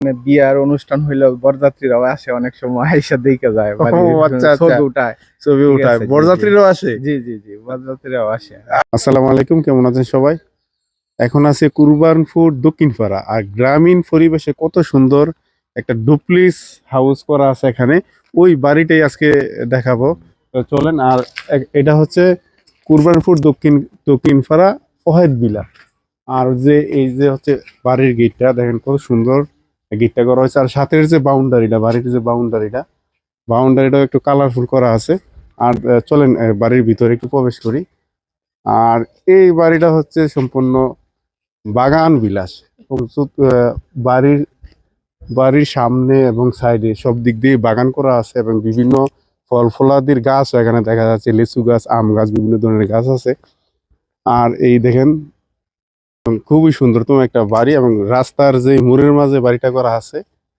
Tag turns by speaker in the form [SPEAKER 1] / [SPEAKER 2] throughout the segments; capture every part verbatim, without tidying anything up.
[SPEAKER 1] মানে বিয়ার অনুষ্ঠান হইলেও বরযাত্রীরাও আসে, অনেক সময় আইসা দেখে যায়,
[SPEAKER 2] ও আচ্ছা আচ্ছা,
[SPEAKER 1] ছবি উঠায়
[SPEAKER 2] ছবি
[SPEAKER 1] ঠিক
[SPEAKER 2] উঠায়,
[SPEAKER 1] আছে, জি, জি।
[SPEAKER 2] বরযাত্রীরাও আসে।
[SPEAKER 1] জি জি জি বরযাত্রীরাও আসে।
[SPEAKER 2] আসসালামু আলাইকুম, কেমন আছেন সবাই? এখন আছে কুরবানপুর দক্ষিণপাড়া, আর গ্রামীণ পরিবেশে কত সুন্দর একটা ডুপ্লিস হাউস করা আছে এখানে। ওই বাড়িটাই আজকে দেখাবো, তো চলেন। আর এ- এটা হচ্ছে কুরবানপুর দক্ষিণ দক্ষিণপাড়া ফহেদ বিলা। আর যে এই যে হচ্ছে বাড়ির গেটটা দেখেন, কত সুন্দর গেটটা করা হয়েছে। আর সাথের যে বাউন্ডারিটা, বাড়ির যে বাউন্ডারিটা বাউন্ডারিটাও একটু কালারফুল করা আছে। আর আহ, চলেন আহ, বাড়ির ভিতরে একটু প্রবেশ করি। আর এই বাড়িটা হচ্ছে সম্পূর্ণ বাগান বিলাস, এবং চত- আহ, বাড়ির বাড়ির সামনে এবং সাইডে সব দিক দিয়ে বাগান করা আছে, এবং বিভিন্ন ফল ফলাদির গাছ এখানে দেখা যাচ্ছে, লিচু গাছ, আম গাছ, বিভিন্ন ধরনের গাছ আছে। আর এই দেখেন, খুবই সুন্দরতম একটা বাড়ি, এবং রাস্তার যে মোড়ের মাঝে বাড়িটা করা আছে।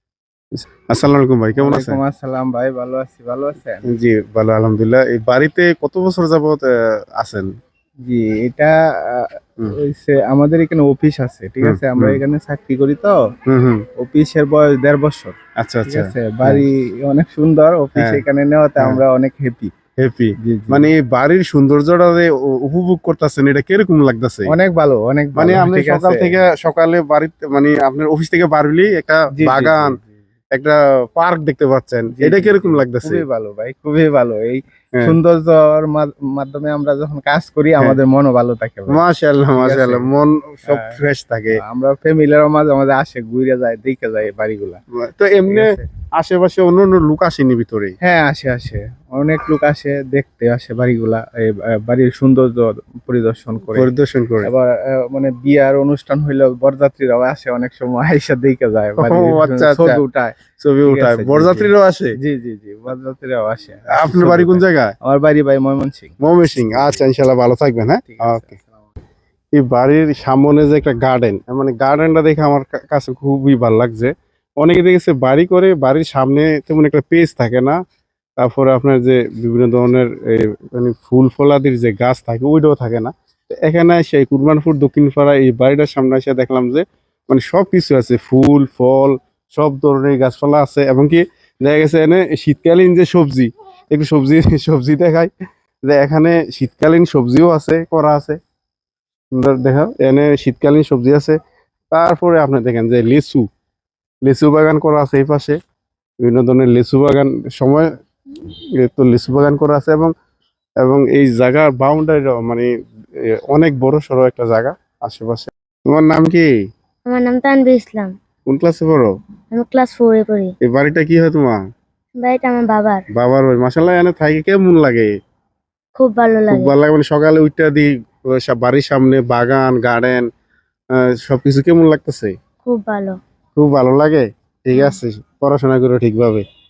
[SPEAKER 2] আসসালামু আলাইকুম ভাই, কেমন আছেন?
[SPEAKER 1] ওয়ালাইকুম আসসালাম ভাই, ভালো আছি, ভালো আছেন?
[SPEAKER 2] জি, ভালো আলহামদুলিল্লাহ। এই বাড়িতে কত বছর যাবত আহ, আছেন?
[SPEAKER 1] জি, এটা আহ,
[SPEAKER 2] হুম
[SPEAKER 1] হইছে আমাদের এখানে অফিস আছে, ঠিক
[SPEAKER 2] হুম
[SPEAKER 1] আছে, আমরা
[SPEAKER 2] হুম
[SPEAKER 1] এখানে চাকরি করি তো।
[SPEAKER 2] হুম হুম।
[SPEAKER 1] অফিসের বয়স দেড় বছর।
[SPEAKER 2] আচ্ছা
[SPEAKER 1] ঠিক
[SPEAKER 2] আচ্ছা।
[SPEAKER 1] আছে,
[SPEAKER 2] হ্যাঁ
[SPEAKER 1] বাড়ি অনেক সুন্দর, অফিস
[SPEAKER 2] হ্যাঁ
[SPEAKER 1] এখানে নেওয়াতে
[SPEAKER 2] হ্যাঁ,
[SPEAKER 1] আমরা অনেক হ্যাপি।
[SPEAKER 2] হ্যাপি।
[SPEAKER 1] জি জি,
[SPEAKER 2] মানে এই বাড়ির সৌন্দর্যটা যে উ- উপভোগ করতেছেন, এটা কিরকম লাগতেছে?
[SPEAKER 1] অনেক ভালো, অনেক
[SPEAKER 2] মানে
[SPEAKER 1] ভালো,
[SPEAKER 2] আপনি
[SPEAKER 1] ঠিক
[SPEAKER 2] সকাল
[SPEAKER 1] আছে।
[SPEAKER 2] থেকে সকালে বাড়িতে, মানে আপনার অফিস থেকে বাড়লি একটা
[SPEAKER 1] জি জি জি
[SPEAKER 2] বাগান,
[SPEAKER 1] জি
[SPEAKER 2] একটা পার্ক দেখতে পাচ্ছেন,
[SPEAKER 1] জি
[SPEAKER 2] এটা
[SPEAKER 1] জি জি,
[SPEAKER 2] কিরকম লাগতেছে?
[SPEAKER 1] খুবই ভালো ভাই, খুবই ভালো। এই
[SPEAKER 2] হ্যাঁ
[SPEAKER 1] সৌন্দর্যর মা- মাধ্যমে আমরা যখন কাজ করি
[SPEAKER 2] হ্যাঁ,
[SPEAKER 1] আমাদের মনও ভালো থাকে ভাই।
[SPEAKER 2] মাশাআল্লাহ
[SPEAKER 1] ঠিক আছে,
[SPEAKER 2] মাশাআল্লাহ, মন সব
[SPEAKER 1] আহ,
[SPEAKER 2] ফ্রেশ থাকে।
[SPEAKER 1] আমরা ফ্যামিলিরও মাঝে মাঝে আসে, ঘুরে যায়, দেখে যায় এই বাড়িগুলা।
[SPEAKER 2] তো
[SPEAKER 1] ঠিক
[SPEAKER 2] এমনি
[SPEAKER 1] আছে,
[SPEAKER 2] আশেপাশে অন্য অন্য লোক আসেনি ভিতরে?
[SPEAKER 1] হ্যাঁ আসে আসে, অনেক লোক আসে দেখতে, আসে বাড়িগুলা, এই আহ, বাড়ির সৌন্দর্য পরিদর্শন করে।
[SPEAKER 2] পরিদর্শন করে।
[SPEAKER 1] এবার আহ, মানে বিয়ার অনুষ্ঠান হইলেও বরযাত্রীরাও আসে, অনেক সময় আইসা দেখে যায়,
[SPEAKER 2] ও
[SPEAKER 1] বাড়ির
[SPEAKER 2] আচ্ছা আচ্ছা,
[SPEAKER 1] ছবি উঠায়।
[SPEAKER 2] ছবি
[SPEAKER 1] ঠিক
[SPEAKER 2] উঠায়,
[SPEAKER 1] আছে, জি জি
[SPEAKER 2] বরযাত্রীরাও আসে।
[SPEAKER 1] জি জি জি বরযাত্রীরাও আসে, আসে
[SPEAKER 2] আপনার
[SPEAKER 1] ছবি
[SPEAKER 2] বাড়ি কোন
[SPEAKER 1] উঠায়।
[SPEAKER 2] জায়গায়?
[SPEAKER 1] আমার বাড়ি ভাই ময়মনসিংহ।
[SPEAKER 2] ময়মনসিং।
[SPEAKER 1] জি জি,
[SPEAKER 2] আচ্ছা, ইনশাআল্লাহ ভালো থাকবেন। হ্যাঁ,
[SPEAKER 1] ঠিক আছে,
[SPEAKER 2] ওকে।
[SPEAKER 1] আসসালামু আলাইকুম।
[SPEAKER 2] এই বাড়ির সামনে যে একটা গার্ডেন, মানে গার্ডেনটা দেখে আমার কা- কাছে খুবই ভালো লাগছে। অনেকে দেখেছে বাড়ি করে, বাড়ির সামনে তেমন একটা পেজ থাকে না। তারপরে আপনার যে বিভিন্ন ধরনের এ, মানে ফুল ফলাদির যে গাছ থাকে, ওইটাও থাকে না। তো এখানে সেই কুরবানপুর দক্ষিণপাড়া এই বাড়িটার সামনে এসে দেখলাম যে মানে সব কিছু আছে, ফুল ফল, সব ধরনের গাছপালা আছে। এবং কি দেখা গেছে এনে শীতকালীন যে সবজি, একটু সবজি সবজি দেখায়, যে এখানে শীতকালীন সবজিও আছে, করা আছে সুন্দর। দেখা এনে শীতকালীন সবজি আছে। তারপরে আপনি দেখেন যে লিচু, লিচু বাগান করা আছে এই পাশে, বিভিন্ন ধরনের লিচু বাগান সময় এ তো লিচু বাগান করা আছে। এবং এবং এই জায়গার বাউন্ডারিটাও মানে এ, অনেক বড় সড়ো একটা জায়গা আশেপাশে। তোমার নাম কি?
[SPEAKER 3] আমার নাম তানভীর ইসলাম।
[SPEAKER 2] কোন ক্লাসে পড়ো?
[SPEAKER 3] আমি ক্লাস ফোরে পড়ি।
[SPEAKER 2] এই বাড়িটা কি হয় তোমার?
[SPEAKER 3] বাড়িটা আমার বাবার।
[SPEAKER 2] বাবার বাড়ি। মাশাআল্লাহ, এনে থাকি কেমন লাগে?
[SPEAKER 3] খুব ভালো
[SPEAKER 2] খুব
[SPEAKER 3] লাগে।
[SPEAKER 2] ভালো লাগে। মানে সকালে উঠতে দি ও সব বাড়ির সামনে বাগান গার্ডেন, সবকিছু কেমন লাগতেছে?
[SPEAKER 3] খুব ভালো।
[SPEAKER 2] খুব ভালো লাগে। ঠিক
[SPEAKER 3] হ্যাঁ।
[SPEAKER 2] আছে, পড়াশোনা করো ঠিকভাবে।